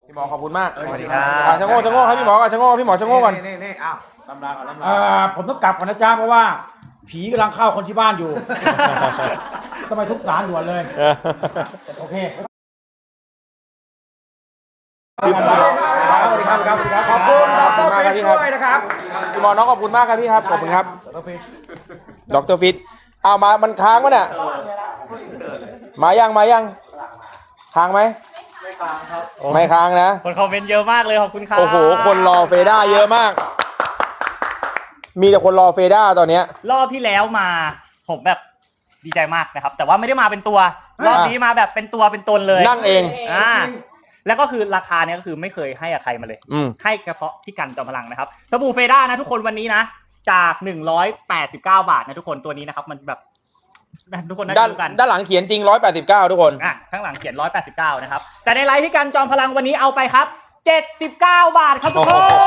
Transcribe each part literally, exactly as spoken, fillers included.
พี่หมอขอบคุณมากสวัสดีครับชะโง่ชะโง่ครับพี่หมอก่อนชะโง่พี่หมอชะโง่ก่อนนี่นี่อ้าวลำลาก่อนลำลาเอ่อผมต้องกลับก่อนนะจ๊ะเพราะว่า ผีกำลังเข้าคนที่บ้านอยู่ ต้องไปทุบศาลด่วนเลย โอเคสวัสดีครับสวัสดีครับสวัสดีครับขอบคุณดขรอบคุณมากฟิครับชพี่ด้วยครับนะครับพี่หมอน้องขอบคุณมากครับพี่ครับขอบคุณครับดรฟิชเอามามันค้างมั้ยเนี่ยมายังมายังค้างไหมไม่ค้างครับไม่ค้างนะคนคอมเมนต์เยอะมากเลยขอบคุณครับโอ้โหคนรอเฟด้าเยอะมาก มีแต่คนรอเฟด้าตอนเนี้ยรอบที่แล้วมาผมแบบดีใจมากนะครับ แต่ว่าไม่ได้มาเป็นตัว รอบนี้มาแบบเป็นตัวเป็นตนเลยนั่งเองอ่าแล้วก็คือราคาเนี้ยก็คือไม่เคยให้กับใครมาเลยอืมให้เฉพาะพี่กันจอมพลังนะครับสบู่เฟด้านะทุกคนวันนี้นะจากหนึ่งร้อยแปดสิบเก้าบาทนะทุกคนตัวนี้นะครับมันแบบทุกคนน่าด้านจะรู้กันด้านหลังเขียนจริงหนึ่งร้อยแปดสิบเก้าทุกคนอ่ะข้างหลังเขียนหนึ่งร้อยแปดสิบเก้านะครับแต่ในไลฟ์พี่กันจอมพลังวันนี้เอาไปครับเจ็ดสิบเก้าบาทครับทุกคน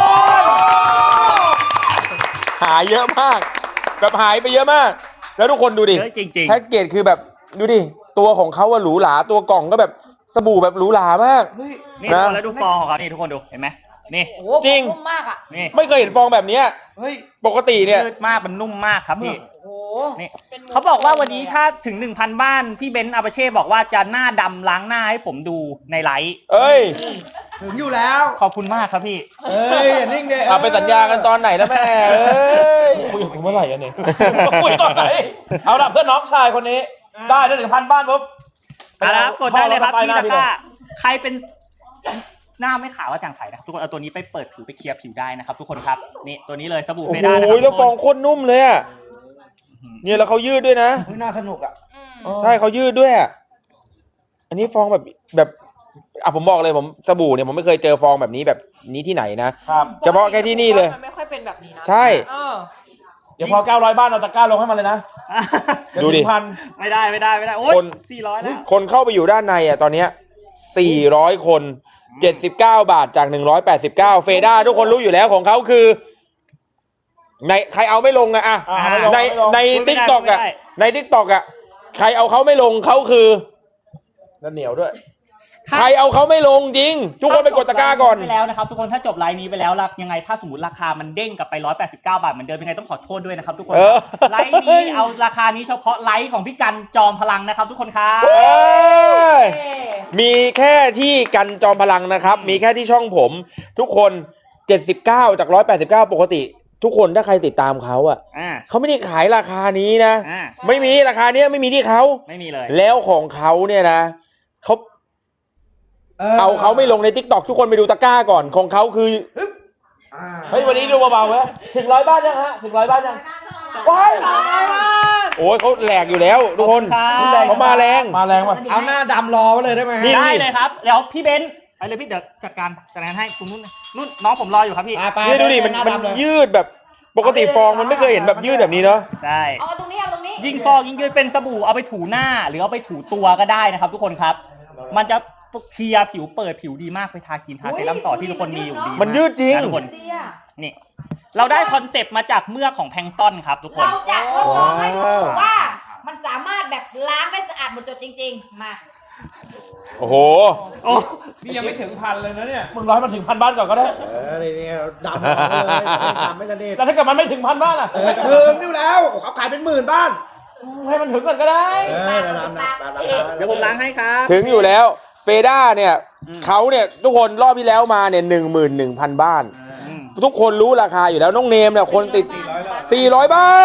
หายเยอะมาก แบบหายไปเยอะมาก แล้วทุกคนดูดิเยอะจริงแพ็กเกจคือแบบดูดิตัวของเขาว่าหรูหราตัวกล่องก็แบบสบู่แบบหรูหรามากๆนี่นะทุกคนแล้วดูฟองของเขานี่ทุกคนดูเห็นไหมนี่โอ้โหจริงนุ่มมากอ่ะนี่ไม่เคยเห็นฟองแบบเนี้ยเฮ้ยปกติเนี่ยยืดมากมันนุ่มมากครับพี่โอ้โหนี่ป็นมุมเขาบอกว่าวันนี้ถ้าถึง หนึ่งพัน บ้านพี่เบนซ์อาเปเช่บอกว่าจะหน้าดำล้างหน้าให้ผมดูในไลฟ์เอ้ยถึงอยู่แล้วขอบคุณมากครับพี่เอ้ยอย่านิ่งเด้เอาไปสัญญากันตอนไหนนะแม่เอ้ยคุยกับผมเมื่อไหร่กันเนี่ยคุยตอนไหนเอาละเพื่อนน้องชายคนนี้ ได้ได้ถึงพันบ้านปุ๊บเอาละครับกดได้เลยครับข้พี่หตะพี่กร้าใครเป็นหน้าไม่ขาวว่าจางไข่นะครับทุกคนเอาตัวนี้ไปเปิดผิวไปเคลียร์ผิวได้นะครับทุกคนครับนี่ตัวนี้เลยสบู่โอ้เฟโหด้านะครับแล้วฟองทุกโคตรนุ่มเลยอ่ะคนเนี่ยแล้วเขายืดด้วยนะเฮ้ยน่าสนุกอ่ะอืมใช่เขายืดด้วยอ่ะ อันนี้ฟองแบบแบบอ่ะผมบอกเลยผมสบู่เนี่ยผมไม่เคยเจอฟองแบบนี้แบบนี้ที่ไหนนะครับเฉพาะแค่ที่นี่เลยมันไม่ค่อยเป็นแบบนี้นะใช่เออเดี๋ยวพอเก้าร้อยบ้านเราตะกร้าลงให้มันเลยนะดูดิเยวถึงพันไม่ได้ไม่ได้ไม่ได้โอ้ยคนสี่ร้อยแล้วคนเข้าไปอยู่ด้านในอ่ะตอนเนี้ยสี่ร้อยคนเจ็ดสิบเก้าบาทจากหนึ่งร้อยแปดสิบเก้าเฟด้าทุกคนรู้อยู่แล้วของเขาคือ ในใครเอาไม่ลงอะอะอ่าไม่ลงในไม่ลงในไม่ได้ทิกตอกอะไม่ได้ในทิกตอกอะใครเอาเขาไม่ลงเขาคือแล้วเหนียวด้วยใครเอาเขาไม่ลงจริง ทุกคนไปกดตะกร้าก่อนไปแล้วนะครับทุกคนถ้าจบไลน์นี้ไปแล้วล่ะยังไงถ้าสมมติราคามันเด้งกลับไปหนึ่งร้อยแปดสิบเก้าบาทเหมือนเดิมยังไงต้องขอโทษด้วยนะครับทุกคนเออไลน์นี้เอาราคานี้เฉพาะไลฟ์ของพี่กันจอมพลังนะครับทุกคนครับเอ้ยเอ๊ะมีแค่ที่กันจอมพลังนะครับ มีแค่ที่ช่องผม ทุกคนเจ็ดสิบเก้าจากหนึ่งร้อยแปดสิบเก้าปกติ ทุกคนถ้าใครติดตามเขาอะอ่าเขาไม่ได้ขายราคานี้นะอ่าไม่มีราคาเนี้ยไม่มีที่เขาไม่มีเลยแล้วของเขาเนี่ยนะเขาเอาเขาไม่ลงในทิกตอกทุกคนไปดูตะกร้าก่อนของเขาคือเฮ้ยวันนี้ดูเบาๆเว้ยถึงร้อยบ้านยังฮะ ถึงร้อยบ้านยังว้ายโอ้ยเขาแหลกอยู่แล้วทุกคนขอบคุณครับเขามาแรงมาแรงว่ะเอาหน้าดำรอไว้เลยได้ไหมฮะนี่ได้เลยครับแล้วพี่เบนซ์ไปเลยพี่เดี๋ยวจัดการจัดการให้คุณนุ่นนู่นน้องผมรออยู่ครับพี่ไปนี่ดูดิมันมันยืดแบบปกติฟองมันไม่เคยเห็นแบบยืดแบบนี้เนาะใช่เอาตรงนี้เอาตรงนี้ยิ่งฟอกยิ่งยืดเป็นสบู่เอาไปถูหน้า หรือเอาไปถูตัวก็ได้นะครับ ทุกคนครับ มันจะเคลียร์ผิวเปิดผิวดีมากไปทาครีมทาเซรั่มต่อที่ทุกคนมีอยู่ดีมันยืดจริงนะทุกคนดีอะนี่ เราได้คอนเซปต์มาจากเมือกของแพลงก์ต้นครับ ทุกคนเราจะทดลองให้ดูว้าวว่า มันสามารถแบบล้างได้สะอาดหมดจดจริง ๆ มาโอ้โหโอ้นี่ยังไม่ถึงพันเลยนะเนี่ย มึงร้อยมันถึงพันบ้านก่อนก็ได้เออนี่นี่ดำออกเลยดำไม่กระเด็นแล้วถ้าเกิดมันไม่ถึงพันบ้านอ่ะเออถึงนี่แล้วเขาขายเป็นหมื่นบ้านให้มันถึงก่อนก็ได้เออดำนะดำนะเดี๋ยวผมล้างให้ครับถึงอยู่แล้วเฟด้าเนี่ยอืมเขาเนี่ยทุกคนรอบที่แล้วมาเนี่ยหนึ่งหมื่นหนึ่งพันบ้านอืมทุกคนรู้ราคาอยู่แล้วน้องเนมเนี่ยคนติดสี่ร้อยบ้าน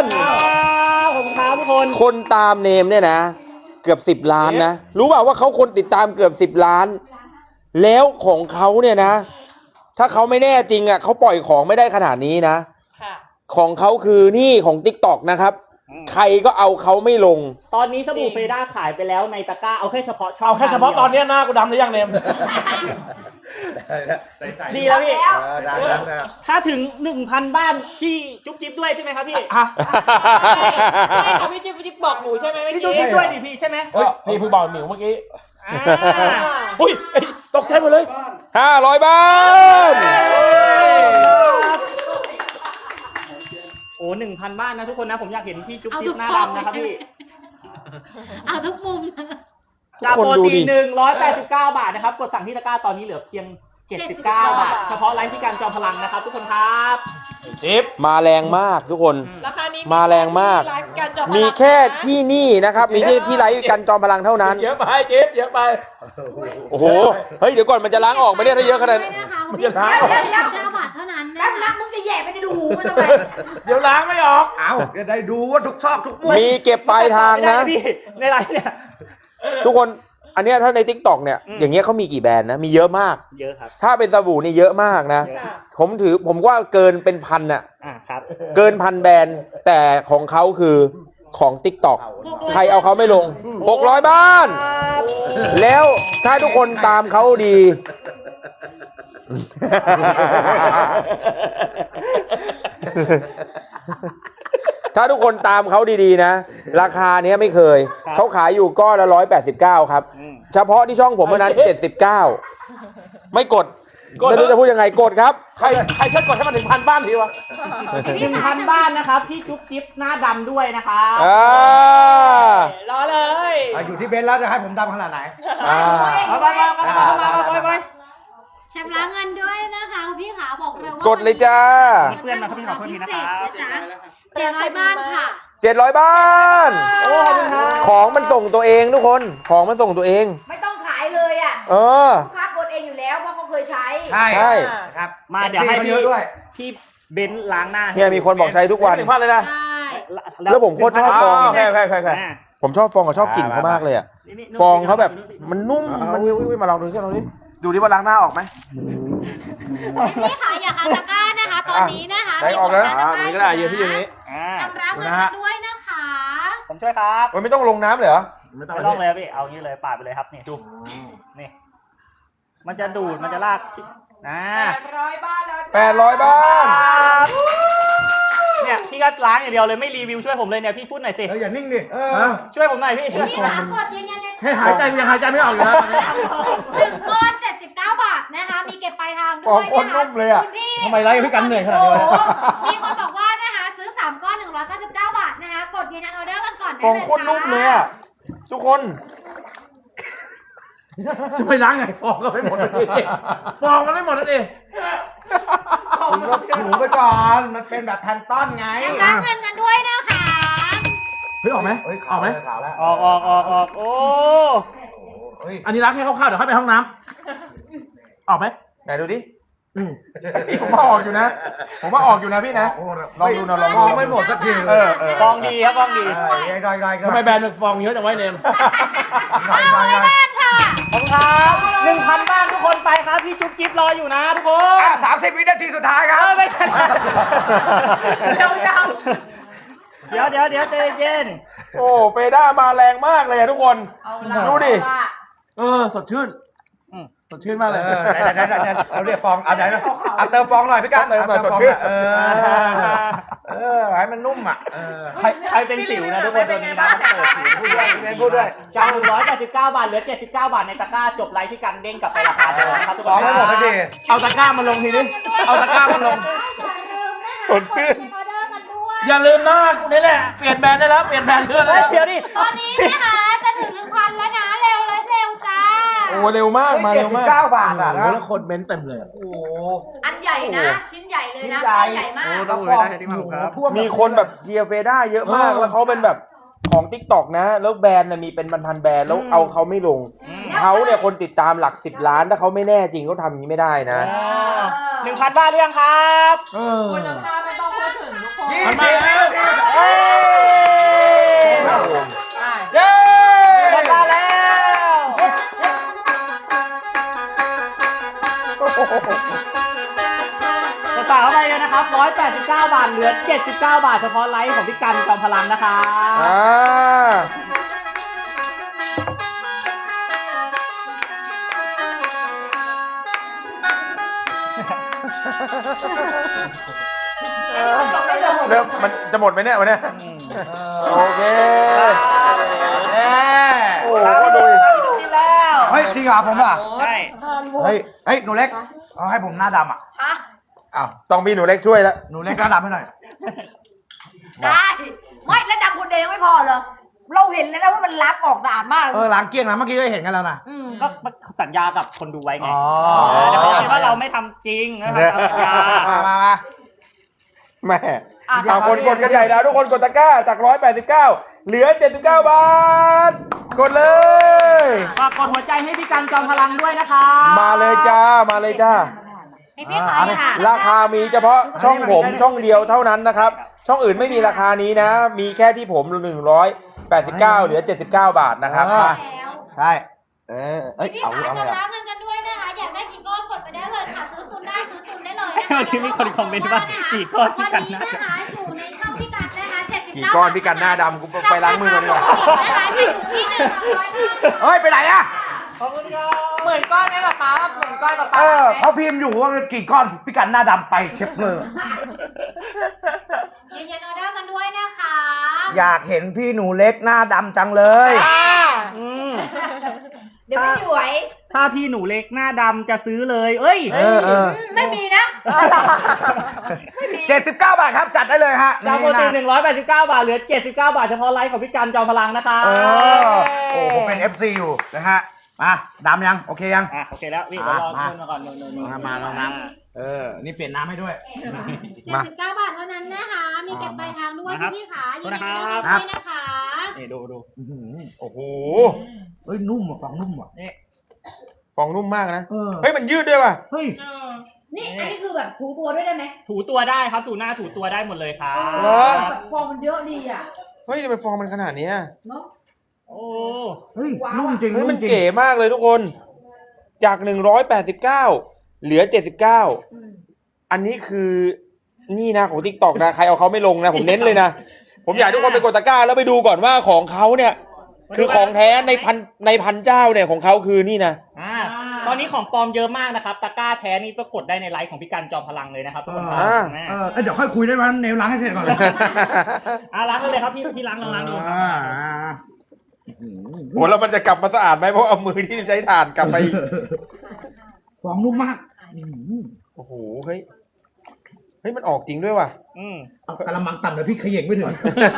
ขอบคุณครับทุกคนคนตามเนมเนี่ยนะ เกือบสิบล้านนะ รู้เปล่าว่าเขาคนติดตามเกือบสิบล้าน แล้วของเขาเนี่ยนะ ถ้าเขาไม่แน่จริงอ่ะเขาปล่อยของไม่ได้ขนาดนี้นะค่ะของเขาคือนี่ของ TikTok นะครับอืมใครก็เอาเขาไม่ลงตอนนี้สบู่เฟด้าขายไปแล้วในตะกร้าเอาแค่เฉพาะช่องเอาแค่เฉพาะทงดียวตอนเนี้ยหน้ากูดำหรือยังเนมดีแล้วพี่เออดำดำนะถ้าถึงหนึ่งพันบ้านพี่จุ๊บจิ๊บด้วยใช่ไหมครับพี่อ่ะไม่ของพี่จิ๊บพี่จิ๊บบอกหนูใช่ไหมเมื่อพี่จุ๊บกี้จิ๊บด้วยดิพี่ใช่ไหมเฮ้ยพี่เพิ่งบอกหมิวเมื่อกี้อ่าอุ้ยเอ้ยตกใจหมดเลยห้าร้อยบ้านโอ้หนึ่งพันบ้านนะทุกคนนะผมอยากเห็นพี่จุ๊บเอาจิ๊ทุบกหน้าฟองดำนะครับใช่ไหมพี่เอาทุกมุมนะจากคนปกดูติดิหนึ่งร้อยแปดสิบเก้าบาทนะครับกดสั่งที่ตะกร้าตอนนี้เหลือเพียงเจ็ดสิบเก้าบาทเฉพาะไลฟ์ที่การจอมพลังนะครับทุกคนครับจิ๊บมาแรงมากทุกคนราคานี้มาแรงมากไลฟ์การจอพลังมีแค่ที่นี่นะครับ มีที่ที่ไลฟ์กันจอมพลังเท่านั้นเยอะไปเจ๊บเยอะไปโอ้โห เฮ้ย เดี๋ยวก่อนมันจะล้างออกไหมเนี่ยถ้าเยอะขนาดนั้นมันจะล้างออกเก้าบาทเท่านั้น แป๊นะบนัคะบมึงจะแย่ไปในรูมันทำไมเดี๋ยวล้างไม่ออกเอาจะได้ดูว่าทุกชอบทุกมุมมีเก็บปลายทางนะไม่ได้พี่ในไลฟ์เนี่ยทุกคน อันเนี้ยถ้าใน ทิกตอก เนี่ยอืมอย่างเงี้ยเขามีกี่แบรนด์นะ มีเยอะมากเยอะครับถ้าเป็นสบู่นี่เยอะมากนะเยอะผมถือผมว่าเกินเป็นพันอะอ่าครับเกินพันแบรนด์ แต่ของเขาคือของ ทิกตอก ใครเอาเขาไม่ลง หกร้อยบ้าน แล้วถ้าทุกคนตามเขาดี ถ้าทุกคนตามเขาดีๆนะ ราคาเนี้ยไม่เคยครับเขาขายอยู่ก้อนละร้อยแปดสิบเก้าครับอืมเฉพาะที่ช่องผมเท่านั้นเจ็ดสิบเก้าไม่กดกดไม่รู้จะพูดยังไงกดครับใครใครช่วยกดให้มันถึงพันบ้านทีวะหนึ่งพันบ้านนะครับที่จุ๊บจิ๊บหน้าดำด้วยนะครับอ่ารอเลยอ่ะอยู่ที่เบนซ์แล้วจะให้ผมดำขนาดไหนอ่าเอาไปไปไปไปไปไปไปชำระเงินด้วยนะคะคุณพี่ขาบอกเลยว่ากดเลยจ้าเพื่อนมาครับพี่ขอโทษทีนะครับเจ็ดร้อยบ้านค่ะเจ็ดร้อยบ้านโอ้ขอบคุณครับของมันส่งตัวเองทุกคน ของมันส่งตัวเองไม่ต้องขายเลยอ่ะเออลูกค้ากดเองอยู่แล้วเพราะเขาเคยใช้ใช่ใช่ครับมาเดี๋ยวให้เอฟซีพี่ขาเยอะด้วยพี่เบนซ์ล้างหน้าให้เนี่ยมีคนบอกใช้ทุกวันหนึ่งพันเลยนะใช่แล้วผมโคตรชอบฟองโอเคโอเคโอเคโอเคอ่าผมชอบฟองกับชอบกลิ่นเขามากเลยอะนี่นี่ฟองเขาแบบมันนุ่มมัมัน นวิววิวมาลองดูสิลองดูดิดูดิว่าล้างหน้าออกไหมพี่ขาอย่าคาตะกร้านะคะ ตอนนี้นะคะได้ออกแล้วมีอ่าผลนี่ก็ได้ยืนพี่ยืนนี้อ่าชำระเงินกันด้วยนะคะผมช่วยครับโอ้ยไม่ต้องลงน้ำเลยเหรอไม่ต้องไม่ต้องเลยครับพี่เอางี้เลยปาดไปเลยครับนี่ดูนี่มันจะดูดมันจะลากนะร้อยบ้านแล้วแปดร้อยบ้านเนี่ยพี่ก็ล้างอย่างเดียวเลยไม่รีวิวช่วยผมเลยเนี่ยพี่พูดหน่อยสิเอออย่านิ่งดิเออฮะช่วยผมหน่อยพี่ช่วยพี่ผมขากดยืนยันเลยแค่หายใจยังหายใจไม่ออกอยู่นะตอนนี้หนึ่งก้อนเจ็ดสิบเก้าบาทนะคะ มีเก็บปลายทางด้วยฟองโคตรนะคะนุ่มเลยอะคุณพี่ทำไมไลฟ์พี่กันเหนื่อยขนาดโอ้นี้โหวะมีคนบอกว่านะคะซื้อสามก้อนหนึ่งร้อยเก้าสิบเก้าบาทนะคะ กดยืนยันออเดอร์กันก่อนได้ฟองเลยโคตรนุ่มเลยอะทุกคนจะไปล้างไงฟองก็ไม่หมดเลยฟองก็ไม่หมดนั่นเองคุณก็ถูไปก่อน มันเป็นแบบแพนต้อนไงชำระเงินกันด้วยนะคะเฮ้ยออกไหมเฮ้ยออกไหมขาวแล้วออกออกออกออกโอ้เฮ้ยอันนี้ล้างแค่คร่าวๆเดี๋ยวเข้าไปห้องน้ำออกไหมไหนดูดิอืมผมว่าออกอยู่นะ ผมว่าออกอยู่นะพี่นะ ลองดูนะลองดูมองไม่หมดสักทีเออเออฟองดีครับฟองดีเออได้ได้ได้ก็ทำไมแบรนด์มันฟองเยอะจังไว้เนมได้ห้าได้ร้อยได้บ้านค่ะขอบคุณครับหนึ่งพันบ้านทุกคนไปครับพี่จุ๊บจิ๊บรออยู่นะทุกคนอ่ะสามสิบวินาทีสุดท้ายคเอรับอไม่ใช่เร็วจังเดี๋ยวเดี๋ยวเดี๋ยวใจเย็นโอ้เฟด้ามาแรงมากเลยอะทุกคนเอาละดูดิเอาละเออสดชื่นอืมสดชื่นมากเลยเออไหนไหนไหนไหนเราเรียกฟองเอาไหนนะเอาเติมฟองหน่อยพี่กันเติมหน่อยเติมฟองสดชื่นเออเออให้มันนุ่มอ่ะเออใครใครเป็นสิวนะทุกคนตัวนี้นะเปิดสิวพูดด้วยพี่เบนพูดด้วยจากหนึ่งร้อยแปดสิบเก้าบาทเหลือเจ็ดสิบเก้าบาทในตะกร้าจบไลฟ์ที่กันเด้งกลับไปราคาเดิมครับทุกฟคองนไม่หมดสักทีเอาตะกร้ามาลงทีนี้เอาตะกร้ามาลงสดชื่นออเดอร์กันด้วยอย่าลืมนะนี่แหละเปลี่ยนแบรนด์ได้แล้วเปลี่ยนแบรนด์เพื่อนเฮ้แล้ยว เดี๋ยวดิตอนนี้นะคะจะถึงหนึ่งพันแล้วนะ เร็วเลยเร็วจ้าโอ้เร็วมากมาเร็วมากเก้าบาทอ่ะโอ้โหแล้วคนเม้นต์เต็มเลยอะโอ้โหอันใหญ่นะ ชิ้นใหญ่เลยนะชิ้นใหญ่ใหญ่มากต้องบอกท่วมีคนแบบเชียร์เฟด้าเยอะมาก แล้วเขาเป็นแบบของทิกตอกนะ แล้วแบรนด์น่ะมีเป็นพันๆแบรนด์แล้วเอาเขาไม่ลงอืมเขาเนี่ยคนติดตามหลักสิบล้าน ถ้าเขาไม่แน่จริงเขาทำอย่างนี้ไม่ได้นะหนึ่งพันบ้านหรือยังครับเออคุณภาพไม่ต้องพูดถึงทุกคนยี่มันสิมาบแล้วเฮ้ยเย้มาแล้วกระเป๋าอะไรกันนะครับหนึ่งร้อยแปดสิบเก้าบาทเหลือเจ็ดสิบเก้าบาทเฉพาะไลฟ์ของพี่กันจอมพลังนะครับอ่า เริ่มมันจะหมดไหมเนี่ยวันเนี้ยโอเคเอ้ยโอ้โหก็ดูดิกินแล้วเฮ้ยจริงเหรอผมอ่ะใช่เฮ้ยเฮ้ยหนูเล็กเอาให้ผมหน้าดำอ่ะฮะอ้าวต้องมีหนูเล็กช่วยแล้วหนูเล็กหน้าดำให้หน่อยได้ ไม่แล้วดำคนเดียวยังไม่พอเหรอเราเห็นเลยนะว่ามันล้างออกสะอาดมากเออล้างเกลี้ยงแล้วเมื่อกี้ก็เห็นกันแล้วนะอืมก็สัญญากับคนดูไว้ไงอ๋อแต่เขาคิดว่าเราไม่ทำจริงนะครับตามสัญญามามามาแม่อ่ะเอาคนกดกันใหญ่แล้วทุกคนกดตะกร้าจากหนึ่งร้อยแปดสิบเก้าเหลือเจ็ดสิบเก้าบาทกดเลยฝากกดหัวใจให้พี่กันจอมพลังด้วยนะคะมาเลยจ้ามาเลยจ้าให้พี่ขายค่ะราคามีเฉพาะช่องผมช่องเดียวเท่านั้นนะครับ ช่องอื่นไม่มีราคานี้นะ มีแค่ที่ผมหนึ่งร้อยแปดสิบเก้าเหลือเจ็ดสิบเก้าบาทนะครับอ่ามาแล้วใช่ เออเอ้ยพี่เอาขายเอาชำเลยระเงินกันด้วยนะคะ อยากได้กี่ก้อนกดไปได้เลยค่ะ ซื้อตุนได้ซื้อตุนได้เลยนะคะวันนี้มีคนคอมเมนต์ว่ากี่ก้อนพี่กันวันน่านี้จะนะคะอยู่ในช่องพี่กันนะคะเจ็ดสิบกี่เก้าก้อนพี่กันหน้าดำกูไปล้างมือกันดีกว่านะคะจะอยู่ที่หนึ่งร้อยบาทเฮ้ย ไปไหนอะเหมือนก้อนไหมป๊าป๊าเหมือนก้อนป๊าป๊าเออไหมเขาพิมพ์อยู่ว่ากี่ก้อนพี่กันหน้าดำไปเช็ดมือยืนยันออเดอร์กันด้วยนะคะอยากเห็นพี่หนูเล็กหน้าดำจังเลยอืมเดี๋ยวไม่ไหวถ้าพี่หนูเล็กหน้าดำจะซื้อเลย เอ้ยเออเออไม่มีนะเจ็ดสิบเก้าบาทครับ จัดได้เลยฮะจากปกติหนี่นึ่งร้อยแปดสิบเก้าบาทเหลือเจ็ดสิบเก้าบาทเฉพาะไลฟ์ของพี่กันจอมพลังนะคะเออ โอ้ผมเป็น เอฟ ซี อยู่นะฮะ มาดำยัง โอเคยังอ่ะโอเคแล้วนี่เดี๋ยวรอมานู่นมาก่อนนู่นนู่นนู่นมามาลองน้ำเออ นี่เปลี่ยนน้ำให้ด้วยเจ็ดสิบเก้าบาทเท่านั้นนะคะ มีเก็บปลายทางด้วยพี่ขายืนยันออเดอร์ครับด้วยนะคะนี่ดูดูอื้อหือโอ้โหเฮ้ย นุ่มอ่ะฟังนุ่มอ่ะนี่ฟองนุ่มมากนะเออเฮ้ยมันยืดด้วยป่ะเฮ้ยนี่อันนี้คือแบบถูตัวด้วยได้ไหมถูตัวได้ครับถูหน้าถูตัวได้หมดเลยครับเหรอแบบฟองมันเยอะดีอ่ะเฮ้ยทำไมฟองมันขนาดเนี้ยเนาะโอ้เฮ้ย นุ่มจริงเฮ้ยนุ่มันมจริงเก๋มากเลยทุกคน จากหนึ่งร้อยแปดสิบเก้าเหลือเจ็ดสิบเก้าอืมอันนี้คือนี่นะของ ทิกตอก นะ ใครเอาเขาไม่ลงนะ ผมเน้นเลยนะ ผมอยากให้ทุกคนไปกดตะกร้าแล้วไปดูก่อนว่าของเขาเนี่ย คือของแท้ในพันในพันเจ้าเนี่ยของเขาคือนี่นะอ่าตอนนี้ของปลอมเยอะมากนะครับตะกร้าแท้นี่ก็กดได้ในไลฟ์ของพี่กันจอมพลังเลยนะครับทุกคนครับอ่าอ่าเออเอ้ยเดี๋ยวค่อยคุยได้ไหมเนวล้างให้เสร็จก่อนเลยอ่าล้างเลยครับพี่พี่ล้างลองล้างดูอ่าอ่าโหแล้วมันจะกลับมาสะอาดไหมเพราะเอามือที่ใช้ถ่านกลับไปอีกฟองนุ่มมากอื้อหือโอ้โห เฮ้ย เฮ้ย มันออกจริงด้วยว่ะอืมเอากระมังต่ำเดี๋ยวพี่เขย่งไม่ถึง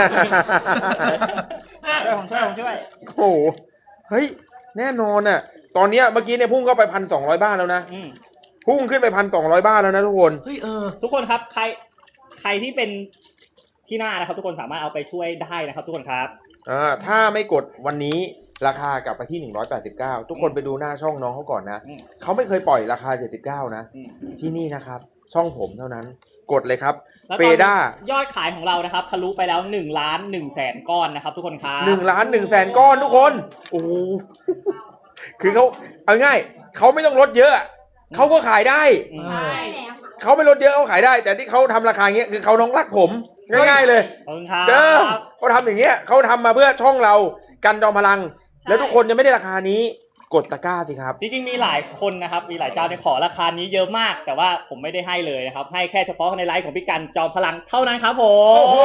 ช่วยผมช่วยผมช่วยโอ้โห เฮ้ย แน่นอนอ่ะ ตอนเนี้ยเมื่อกี้เนี่ยพุ่งเข้าไปพันสองร้อยบ้านแล้วนะอืมพุ่งขึ้นไปพันสองร้อยบ้านแล้วนะทุกคนเฮ้ยเออทุกคนครับใครใครที่เป็นที่หน้านะครับ ทุกคนสามารถเอาไปช่วยได้นะครับทุกคนครับอ่า ถ้าไม่กดวันนี้ราคากลับไปที่หนึ่งร้อยแปดสิบเก้าทุกคนไปดูหน้าช่องน้องเขาก่อนนะอืมเขาไม่เคยปล่อยราคาเจ็ดสิบเก้านะอืมที่นี่นะครับ ช่องผมเท่านั้น กดเลยครับแล้วเฟตอนนี้ด้ายอดขายของเรานะครับทะลุไปแล้วหนึ่งล้านหนึ่งแสนก้อนนะครับทุกคนครับหนึ่งล้านหนึ่งแสนก้อนทุกคน โอ้โห คือเขาเอาง่ายเขาไม่ต้องลดเยอะอะเขาก็ขายได้อืมใช่แล้วเขาไม่ลดเยอะเขาขายได้ แต่ที่เขาทำราคาอย่างเงี้ยคือเขาน้องรักผม ง่ายๆเลยขอบคุณครับเด้อเขาทำอย่างเงี้ยเขาทำมาเพื่อช่องเรากันจอมพลัง แล้วทุกคนจะไม่ได้ราคานี้กดตะกร้าสิครับจริงๆมีหลายคนนะครับมีหลายเจ้าที่ขอราคานี้เยอะมาก แต่ว่าผมไม่ได้ให้เลยนะครับให้แค่เฉพาะในไลฟ์ของพี่กันจอมพลังเท่านั้นครับผมโอ้โห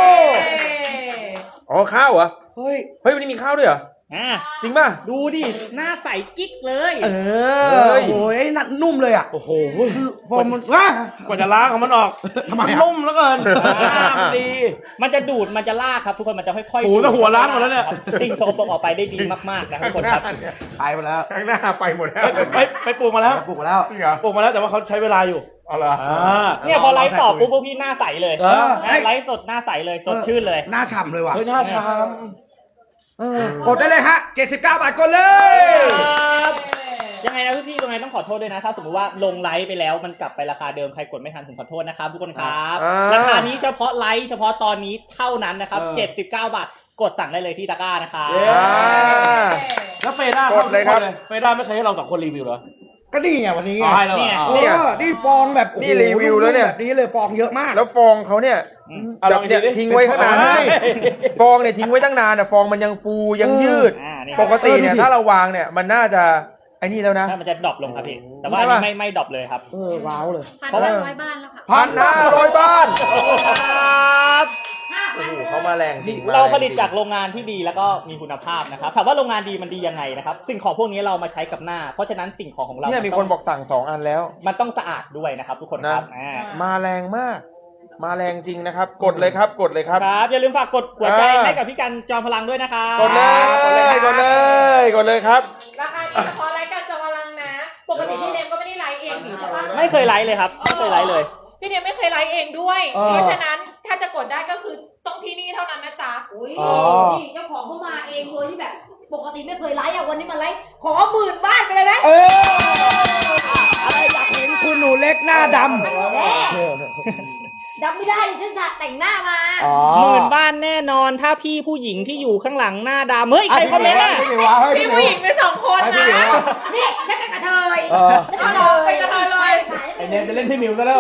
อ๋อข้าวเหรอ เฮ้ย เฮ้ยวันนี้มีข้าวด้วยเหรออ่าจริงป่ะดูดิหน้าใสกิ๊กเลยเอเฮ้อย โอ้ยนั่นนุ่มเลยอ่ะโอ้โหคือฟองมันว้ากว่าจะล้างของมันออกทำไมมันอะนุ่มแล้วเกินน้ำดีมันจะดูดมันจะลากครับทุกคนมันจะค่อยๆโอ้โหดูดแต่หัวล้านหมดแล้วเนี่ยครับสิ่งโสโครกออกไปได้ดีมากๆนะครับทุกคนครับไปไปแล้วข้างหน้าไปหมดแล้วไปไปไปปลูกมาแล้วปลูกมาแล้วจริงเหรอปลูกมาแล้วแต่ว่าเขาใช้เวลาอยู่เอาเหรออ่าเนี่ยพอไลฟ์ต่อปุ๊บพวกพี่หน้าใสเลยเออนะไลฟ์สดหน้าใสเลยสดชื่นเลยหน้าฉ่ำเลยว่ะเฮ้ยหน้าชามเออกดได้เลยฮะเจ็ดสิบเก้าบาทกดเลยครับยังไงนะพี่ๆตรงไหนต้องขอโทษด้วยนะถ้าสมมติว่าลงไลฟ์ไปแล้วมันกลับไปราคาเดิมใครกดไม่ทันผมขอโทษนะครับทุกคนครับอ่าราคานี้เฉพาะไลฟ์เฉพาะตอนนี้เท่านั้นนะครับเออเจ็ดสิบเก้าบาทกดสั่งได้เลยที่ตะกร้านะครับเย้อ่าแล้วเฟด้ากดเลยครับเฟด้าไม่เคยให้เราสองคนรีวิวเหรอก็นี่ไงวันนี้ไงอ๋อให้เราเหรอเออ๋ออนี่ฟองแบบโอ้โหนี่รีวิวแล้วเนี่ยแบบนี้เลยฟองเยอะมากแล้วฟองเขาเนี่ยอืมเอาแบลบองเนี่ยดิทิ้งไว้ข้างนานเฮ้ยฟองเนี่ยทิ้งไว้ตั้งนานอ่ะฟองมันยังฟูยังยืดอ่านี่ปกติเนี่ยเออดูดิถ้าเราวางเนี่ยมันน่าจะไอ้นี่แล้วนะถ้ามันจะดรอปลงครับพี่แต่ว่าอันนี้ไม่ไม่ดรอปเลยครับเออว้าวเลยพันเพราะว่าห้าร้อยบ้านแล้วค่ะพันห้าร้อยบ้านครับห้าโอ้พันโหเขามาแรงจริงมเราแงผลิตจงจากโรงงานที่ดีแล้วก็มีคุณภาพนะครับถามว่าโรงงานดีมันดียังไงนะครับสิ่งของพวกนี้เรามาใช้กับหน้า เพราะฉะนั้นสิ่งของของเราเนี่ยมีคนบอกสั่งสองอันแล้วมันต้องสะอาดด้วยนะครับ ทุกคนครับอ่ามาแรงมากมาแรงจริงนะครับ กดเลยครับ กดเลยครับครับอย่าลืมฝากกดหัวใจอ่าให้กับพี่กันจอมพลังด้วยนะครับกดเลย กดเลย กดเลยครับราคานี้เฉพาะรายการจอมพลังนะ ปกติพี่เนมก็ไม่ได้ไลฟ์เองหรือใช่ปะไม่เคยไลฟ์เลยครับไม่เคยไลฟ์เลยพี่เนมไม่เคยไลฟ์เองด้วยเออเพราะฉะนั้นถ้าจะกดได้ก็คือต้องที่นี่เท่านั้นนะจ๊ะอุ้ยอ๋อนี่เจ้าของเขามาเองโดยที่แบบปกติไม่เคยไลฟ์อ่ะวันนี้มาไลฟ์ขอหมื่นบ้านไปเลยไหมเอออะไรอยากเห็นคุณหนูเล็กหน้าดำแน่จำไม่ได้ดิฉันสระแต่งหน้ามาอ๋อหมื่นบ้านแน่นอนถ้าพี่ผู้หญิงที่อยู่ข้างหลังหน้าดำเฮ้ยใครคอมเมนต์อ่ะพี่หมิววะเฮ้ยพี่พี่หมิผู้วหญิงไปสองคนให้นะพี่หมิววะนี่นักกระเทยเออกระเทยไปกระเทยเลยไอเนมจะเล่นพี่หมิวซะแล้วอะ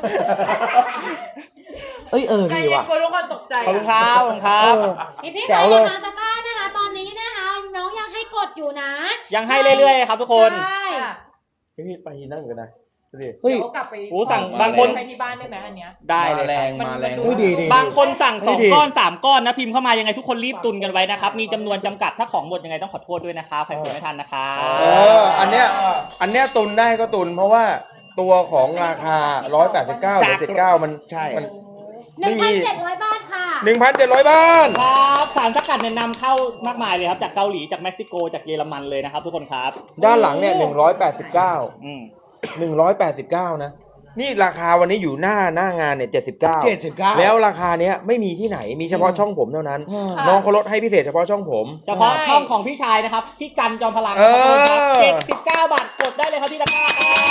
เอ้ยเออใจดีเย็นว่ะคนทุกคนตกใจขอบคุณครับขอบคุณครับเออพี่พี่แจ๋ใครวเลยจะมาตะกร้านะคะตอนนี้นะคะน้องยังให้กดอยู่นะยังให้เรื่อยๆครับทุกคนใช่ค่ะพี่ไปนั่งกันนะดูดิเฮ้ยเดี๋ยวกลับไปโอ้สั่งบางคนไปที่บ้านได้ไหมอันเนี้ยได้เลมาย แรงมันมาแรงมันเฮ้ยดีดีบางคนสั่งสองดีก้อนสามก้อนนะพิมพ์เข้ามายังไงทุกคนรีบตุนกันไว้นะครับมีจำนวนจำกัดถ้าของหมดยังไงต้องขอโทษด้วยนะครับใครกดไม่ทันนะครับเออ อันเนี้ย อันเนี้ยตุนได้ก็ตุน เพราะว่าตัวของราคาหนึ่งร้อยแปดสิบเก้าหรือเจ็ดสิบเก้ามันใช่มันหนึ่งพันเจ็ดร้อยบาทค่ะหนึ่งพันเจ็ดร้อยบ้านครับสารสกัดเนี่ยนำเข้ามากมายเลยครับจากเกาหลีจากเม็กซิโกจากเยอรมันเลยนะครับทุกคนครับด้านหลังเนี่ยหนึ่งร้อยแปดสิบเก้าอืมหนึ่งร้อยแปดสิบเก้านะ นี่ราคาวันนี้อยู่หน้าหน้างานเนี่ยเจ็ดสิบเก้าเจ็ดสิบเก้าแล้วราคาเนี้ยไม่มีที่ไหน มีเฉพาะช่องผมเท่านั้นอืมน้องเขาลดให้พิเศษเฉพาะช่องผมเฉพาะช่องของพี่ชายนะครับพี่กันจอมพลังเออครับเจ็ดสิบเก้าบาทกดได้เลยครับที่ตะกร้า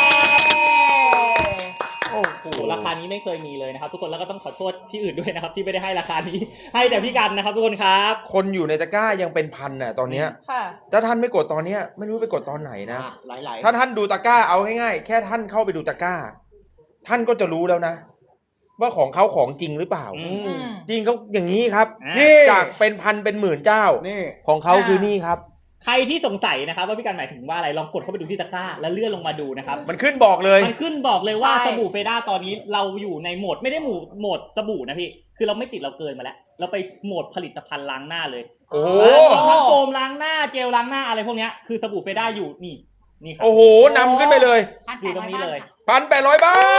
โอ้โหราคานี้ไม่เคยมีเลยนะครับทุกคนแล้วก็ต้องขอโทษที่อื่นด้วยนะครับที่ไม่ได้ให้ราคานี้ ให้แต่พี่กันนะครับทุกคนครับคนอยู่ในตะกร้ายังเป็นพันน่ะตอนเนี้ยค่ะถ้าท่านไม่กดตอนเนี้ยไม่รู้ไปกดตอนไหนนะหลายหลายถ้าท่านดูตะกร้าเอาง่ายๆแค่ท่านเข้าไปดูตะกร้า ท่านก็จะรู้แล้วนะ ว่าของเขาของจริงหรือเปล่าอือืมมจริงเขาอย่างนี้ครับอ่านี่จากเป็นพันเป็นหมื่นเจ้านี่ของเขาคือนี่ครับใครที่สงสัยนะครับว่าพี่กันหมายถึงว่าอะไรลองกดเข้าไปดูที่ตะกร้าแล้วเลื่อนลงมาดูนะครับมันขึ้นบอกเลยมันขึ้นบอกเลยว่าใช่สบู่เฟด้าตอนนี้เราอยู่ในโหมดไม่ได้หมู่โหมดสบู่นะพี่คือเราไม่ติดเราเกินมาแล้ว เราไปโหมดผลิตภัณฑ์ล้างหน้าเลยโอ้โหมีทั้งโฟมล้างหน้าเจลล้างหน้าอะไรพวกเนี้ยคือสบู่เฟด้าอยู่นี่นี่ครับโอ้โหนำขึ้นไปเลยอยู่ตรงนี้เลยพันแปดร้อยบ้าน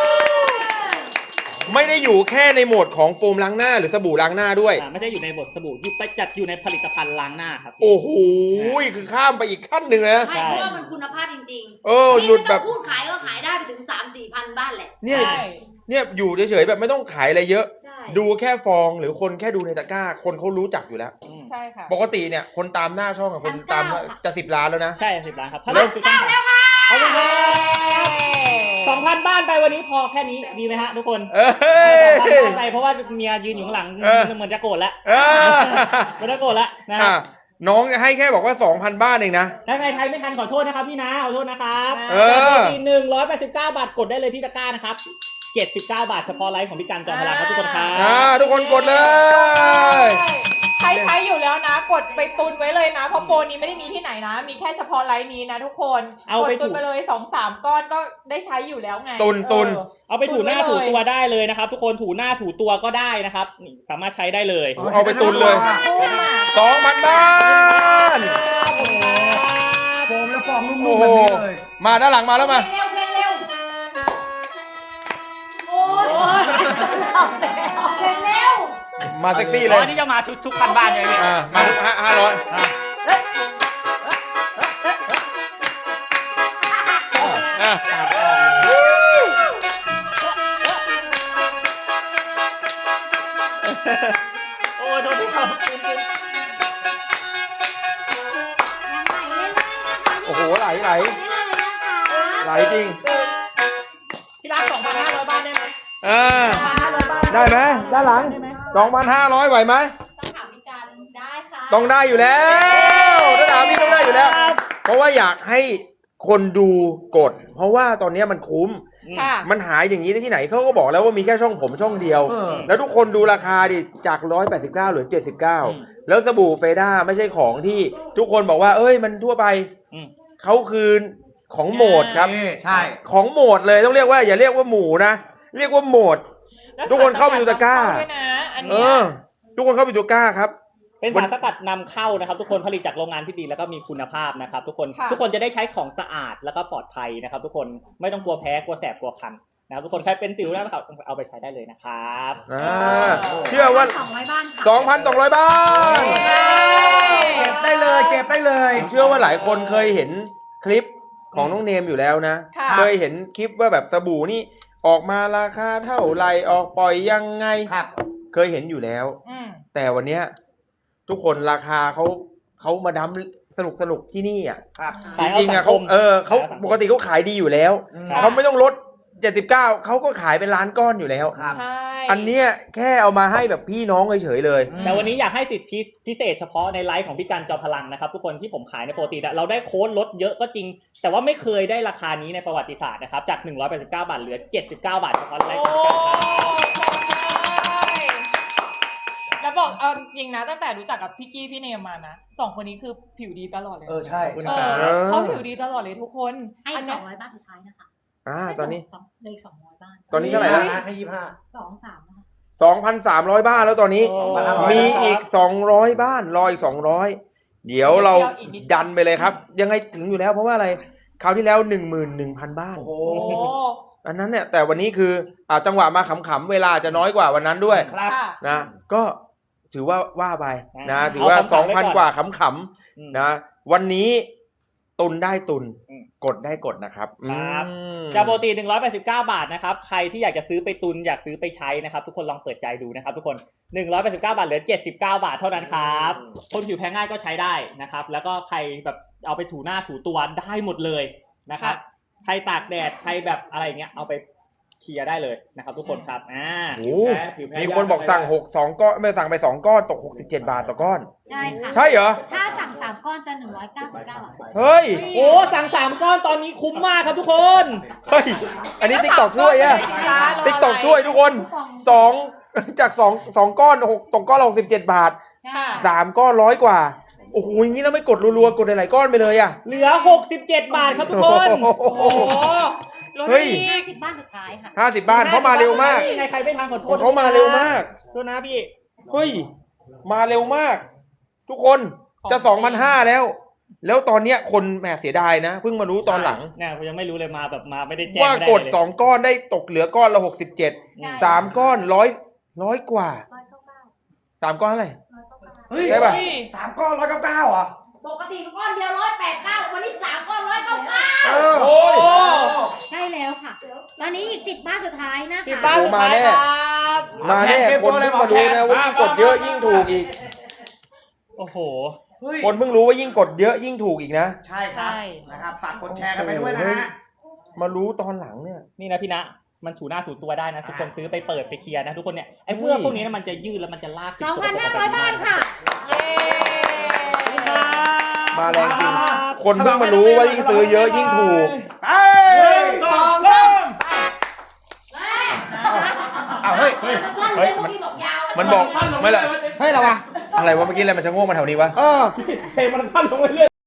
ไม่ได้อยู่แค่ในโหมดของโฟมล้างหน้าหรือสบู่ล้างหน้าด้วยอ่าไม่ได้อยู่ในบทสบู่อยู่ไปจัดอยู่ในผลิตภัณฑ์ล้างหน้าครับโอ้โหคือข้ามไปอีกขั้นหนึ่งนะใช่เพราะว่ามันคุณภาพจริงเออๆหลุดแบบนี่ไม่ต้องพูดขายก็ขายได้ไปถึงสามสี่พันบ้านแหละเนี่ยใช่เนี่ยอยู่เฉยๆแบบไม่ต้องขายอะไรเยอะใช่ดูแค่ฟองหรือคนแค่ดูในตะกร้า คนเขารู้จักอยู่แล้วอืมใช่ค่ะปกติเนี่ยคนตามหน้าช่องอะคนตามจะสิบล้านแล้วนะใช่สิบล้านครับถ้าเริ่มคือต้องขายขอบคุณครับสองพันบ้านไปวันนี้พอแค่นี้ดีไหมฮะทุกคนเอ้สองพันยบ้านไปเพราะว่าเมียยืนอยู่ข้างหลังเออเหมือนจะโกรธแล้วเออเหมือนจะโกรธแล้วนะคอ่ะรับน้องให้แค่บอกว่าสองพันบ้านเองนะถ้าใครไทยไม่ทันขอโทษนะครับพี่นะขอโทษนะครับเออทีหนึ่งร้อยแปดสิบเก้าบาทกดได้เลยที่ตะกร้านะครับเจ็ดสิบเก้าบาทเฉพาะไลฟ์ของพี่กันจอมพลังครับทุกคนครับอ่าทุกคนกดเลยใครใช้อยู่แล้วนะ กดไปตุนไว้เลยนะ เพราะโปรนี้ไม่ได้มีที่ไหนนะ มีแค่เฉพาะไลน์นี้นะทุกคนเอากไปดตุนถูไปเลยสองสามก้อนก็ได้ใช้อยู่แล้วไงตุนตุนเออเอาไปถูหน้าถูถูไว้เลยตัวได้เลยนะครับ ทุกคนถูหน้าถูตัวก็ได้นะครับนี่สามารถใช้ได้เลยเอาไปตุนเลยถูกมากสองพันบ้านโฟมแล้วฟองนุ่โอ้มๆโหแบบนี้เลยมาด้านหลังมาแล้วมาเร็วเร็วเร็วโอ้ยเร็วมาแท็กซี่เลอ๋อย นี่จะมาทุกทุกพันบ้านเลยพี่อ่ามาห้าห้าร้อยอ่ะอ่ะโอ้โทษทีครับโอ้โหไหลไหลไหลจริงที่ร้านสองพันห้าร้อยบาทได้ไหมอ่าห้าร้อยบาทได้ไหมด้านหลังสองพันห้าร้อยไหวไหมต้องถามพี่กันได้ค่ะต้องได้อยู่แล้วถ้าถามพี่ต้องได้อยู่แล้ว เพราะว่าอยากให้คนดูกด เพราะว่าตอนนี้มันคุ้มค่ะมันหายอย่างนี้ได้ที่ไหนเขาก็บอกแล้วว่ามีแค่ช่องผมช่องเดียวเออแล้วทุกคนดูราคาดิจากหนึ่งร้อยแปดสิบเก้าเหลือเจ็ดสิบเก้าอืมแล้วสบู่เฟด้าไม่ใช่ของที่ทุกคนบอกว่า เอ้ยมันทั่วไปอืมเขาคือของโหมดครับนี่ใช่ของโหมดเลยต้องเรียกว่าอย่าเรียกว่าหมูนะ เรียกว่าโหมดแล้วทุกคนเข้าไปดูตะกร้าด้วยนะอันเอเนี้ยอ ทุกคนเข้าไปดูตะกร้าครับเป็นสารสกัดนำเข้านะครับ ทุกคนผลิตจากโรงงานที่ดีแล้วก็มีคุณภาพนะครับ ทุกคนค่ะทุกคนจะได้ใช้ของสะอาดแล้วก็ปลอดภัยนะครับ ทุกคนไม่ต้องกลัวแพ้กลัวแสบกลัวคันนะครับทุกคนใครเป็นสิวนะครับเอาไปใช้ได้เลยนะครับอ่าเชื่อว่าสองร้อยบ้านค่ะสองพันสองร้อยบ้านเก็บได้เลย เก็บได้เลยผมเชื่อว่าหลายคนเคยเห็นคลิปของน้องเนมอยู่แล้วนะค่ะเคยเห็นคลิปว่าแบบสบู่นี่ออกมาราคาเท่าไหร่ออกปล่อยยังไงครับเคยเห็นอยู่แล้วอืมแต่วันเนี้ยทุกคนราคาเขาเขามาดั้มสนุกสนุกที่นี่อ่ะครับขายจเอาริงๆสัอ่ะงคเขามเออเขาขายเอาสังคมปกติเขาขายดีอยู่แล้วครับเขาไม่ต้องลดเจ็ดสิบเก้าเขาก็ขายเป็นล้านก้อนอยู่แล้วครับใช่อันเนี้ยแค่เอามาให้แบบพี่น้องเฉยๆเลยแต่วันนี้อยากให้สิทธิพิเศษเฉพาะในไลฟ์ของพี่กันจอมพลังนะครับทุกคนที่ผมขายในปกติอะเราได้โค้ดลดเยอะก็จริง แต่ว่าไม่เคยได้ราคานี้ในประวัติศาสตร์นะครับจากหนึ่งร้อยแปดสิบเก้าบาทเหลือเจ็ดสิบเก้าบาทเฉพาะไลฟ์ของพี่กันครับแล้วบอกเอาจริงนะตั้งแต่รู้จักกับพี่กี้พี่เนมมานะสองคนนี้คือผิวดีตลอดเลยเออ ใช่ขอบคุณเอครัอบ เขาผิวดีตลอดเลยทุกคนให้อันสเนี้อย งร้อยบ้านสุดท้ายนะคะอ่าตอนนี้สองเลยสองร้อยบ้านตอนนี้เท่าไหร่แล้วให้ยี่ห้าสองสามนะคะสองพันสามร้อยบ้านแล้วตอนนี้โอ้มีอีกสองร้อยบ้านรออีกสองร้อยเดี๋ยวเราดันไปเลยครับ ยังไงถึงอยู่แล้วเพราะว่าอะไรคราวที่แล้วหนึ่งหมื่นหนึ่งพันบ้านโอ้โหโอ้อันนั้นเนี่ยแต่วันนี้คืออ่าจังหวะมาขำๆเวลาจะน้อยกว่าวันนั้นด้วยครับค่ะนะก็ถือว่าว่าไปนะอ่าถือว่าเอาสองขำๆไว้พันก่อนกว่าขำอืมๆนะวันนี้ตุนได้ตุนอืมกดได้กดนะครับครับอืมจากปกติหนึ่งร้อยแปดสิบเก้าบาทนะครับใครที่อยากจะซื้อไปตุนอยากซื้อไปใช้นะครับทุกคนลองเปิดใจดูนะครับทุกคนหนึ่งร้อยแปดสิบเก้าบาทเหลือเจ็ดสิบเก้าบาทเท่านั้นครับคนผิวแพ้ง่ายก็ใช้ได้นะครับแล้วก็ใครแบบเอาไปถูหน้าถูตัวได้หมดเลยนะครับใครตากแดดใครแบบอะไรอย่างเงี้ยเอาไปเคลียร์ได้เลยนะครับทุกคนครับอ่าโอ้โหมีคนบอกสั่งหกสองก้อนไม่สั่งไปสองก้อนตกหกสิบเจ็ดบาทต่อก้อนใช่ค่ะใช่เหรอถ้าสั่งสามก้อนจะหนึ่งร้อยเก้าสิบเก้าบาทเฮ้ยโอ้สั่งสามก้อนตอนนี้คุ้มมากครับทุกคนเฮ้ยอันนี้ติ๊กตอกช่วยอะรออะไรติ๊กตอกช่วยทุกคนสองจากสองสองก้อนหกตกก้อนละหกสิบเจ็ดบาทใช่สามก้อนร้อยกว่าโอ้โหอย่างนี้แล้วไม่กดรัวๆกดหลายๆก้อนไปเลยอ่ะเหลือหกสิบเจ็ดบาทครับทุกคนโอ้โหโอ้โหลดเฮ้ยอีห้าก สิบบ้านสุดท้ายค่ะห้าสิบบ้านเขามาเร็วมากนี่ไงใครไม่ทันขอโทขอษงเขามาเร็วมากโทษนะพี่เฮ้ยมาเร็วมาก ทุกคนจะสองพันห้าแล้ว แล้วตอนเนี้ยคนแหมเสียดายนะเพิ่งมารู้ตอนหลังเนี่ยผมยังไม่รู้เลยมาแบบมาไม่ได้แจ้งว่าไม่ได้กดเลยสองก้อนได้ตกเหลือก้อนละหกสิบเจ็ดใช่สามก้อนร้อยร้อยกว่าร้อยเก้าเก้าสามก้อนเท่าไหร่ร้อยเก้าเก้าเฮ้ยได้ปะสามก้อนร้อยเก้าเก้าเหรอปกติก้อนเดียวร้อยแปดเก้าวันนี้สามก้อนร้อยเก้าเก้าเออโอ้ยใช่แล้วค่ะ ตอนนี้อีกสิบบ้านสุดท้ายนะสิบคะบ้านสุดท้ายโอ้มาแน่ครับมาแน่คนเพิ่งมารู้นะว่ายิ่งกดเยอะยิ่งถูกอีกโอ้โหเฮ้ยคนเพิ่งรู้ว่ายิ่งกดเยอะยิ่งถูกอีกนะใช่ครับใช่นะครับฝากกดแชร์กันไปด้วยนะฮะมารู้ตอนหลังเนี่ยนี่นะพี่นะมันถูหน้าถูตัวได้นะทุกคนอ่าซื้อไปเปิดไปเคลียร์นะทุกคนเนี่ยไอ้เมื่อกพวกนี้นะมันจะยืดแล้วมันจะลากสองพันห้าร้อยบ้านค่ะเย้มาแรงจริง คนเพิ่งมารู้ว่ายิ่งซื้อเยอะยิ่งถูกเอ้ยสองสามอ้าวเฮ้ย เฮ้ย เฮ้ย มัน มันบอก ไม่ละเฮ้ยอะไรวะอะไรวะเมื่อกี้อะไรมันชะโงกมาแถวนี้วะเออเพลงมันสั้นลงเรื่อย